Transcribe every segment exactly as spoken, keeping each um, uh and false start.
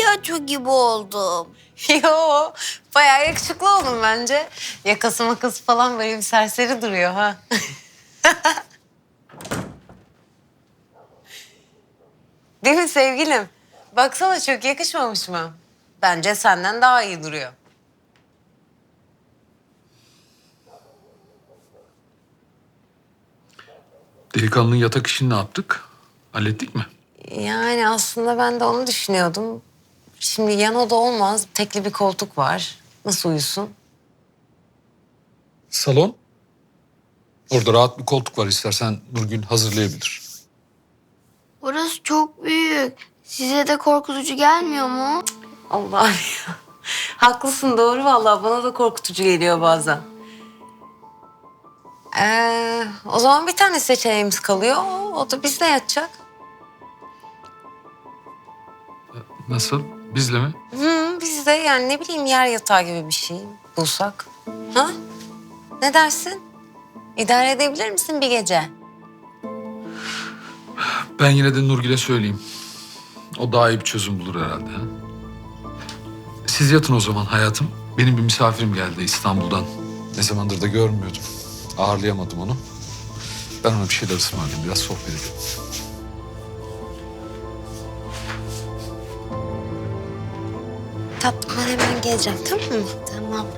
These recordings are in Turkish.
palyaço gibi oldum. Yo, bayağı yakışıklı oldum bence. Yakası makası falan böyle bir serseri duruyor ha. Değil mi sevgilim? Baksana çok yakışmamış mı? Bence senden daha iyi duruyor. Delikanlının yatak işini ne yaptık? Hallettik mi? Yani aslında ben de onu düşünüyordum. Şimdi yan oda olmaz. Tekli bir koltuk var. Nasıl uyusun? Salon. Orada rahat bir koltuk var, istersen Nurgül hazırlayabilir. Orası çok büyük. Size de korkutucu gelmiyor mu? Allah'ım ya. Haklısın doğru vallahi bana da korkutucu geliyor bazen. Ee, o zaman bir tane seçeneğimiz kalıyor. O da bizde yatacak. Nasıl? Bizle mi? Hı, bizde yani ne bileyim yer yatağı gibi bir şey bulsak. Ha? Ne dersin? İdare edebilir misin bir gece? Ben yine de Nurgül'e söyleyeyim. O daha iyi bir çözüm bulur herhalde. Ha? Siz yatın o zaman hayatım. Benim bir misafirim geldi İstanbul'dan. Ne zamandır da görmüyordum. Ağırlayamadım onu. Ben ona bir şeyler ısmarlayayım. Biraz sohbet edelim. Tatlım ben hemen geleceğim tamam mı? Tamam.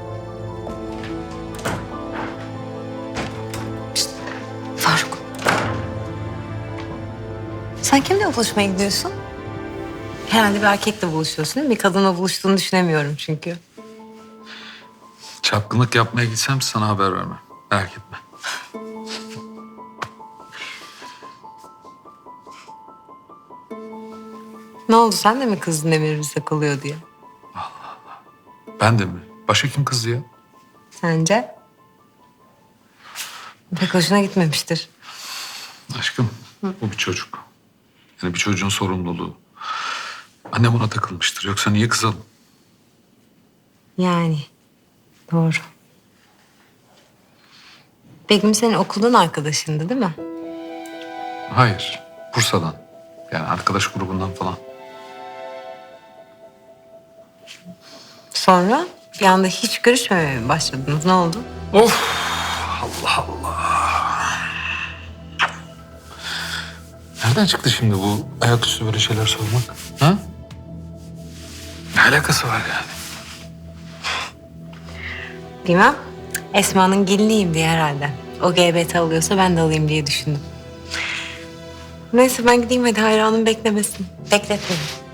Faruk. Sen kimle buluşmaya gidiyorsun? Herhalde bir erkekle buluşuyorsun değil mi? Bir kadınla buluştuğunu düşünemiyorum çünkü. Çapkınlık yapmaya gitsem sana haber vermem. Merak etme. Ne oldu sen de mi kızdın Emir bizde kalıyor diye? Ben de mi? Başka kim kızdı ya? Sence? Pek hoşuna gitmemiştir. Aşkım, bu bir çocuk. Yani bir çocuğun sorumluluğu. Annem ona takılmıştır. Yoksa niye kızalım? Yani doğru. Begüm senin okuldan arkadaşındı değil mi? Hayır, Bursa'dan. Yani arkadaş grubundan falan. Sonra bir anda hiç görüşmemeye mi başladınız? Ne oldu? Of! Allah Allah! Nereden çıktı şimdi bu ayaküstü böyle şeyler sormak? Ha? Ne alakası var yani? Bilmem. Esma'nın geliniyim diye herhalde. O G B T alıyorsa ben de alayım diye düşündüm. Neyse ben gideyim hadi hayranım beklemesin. Bekletmeyin.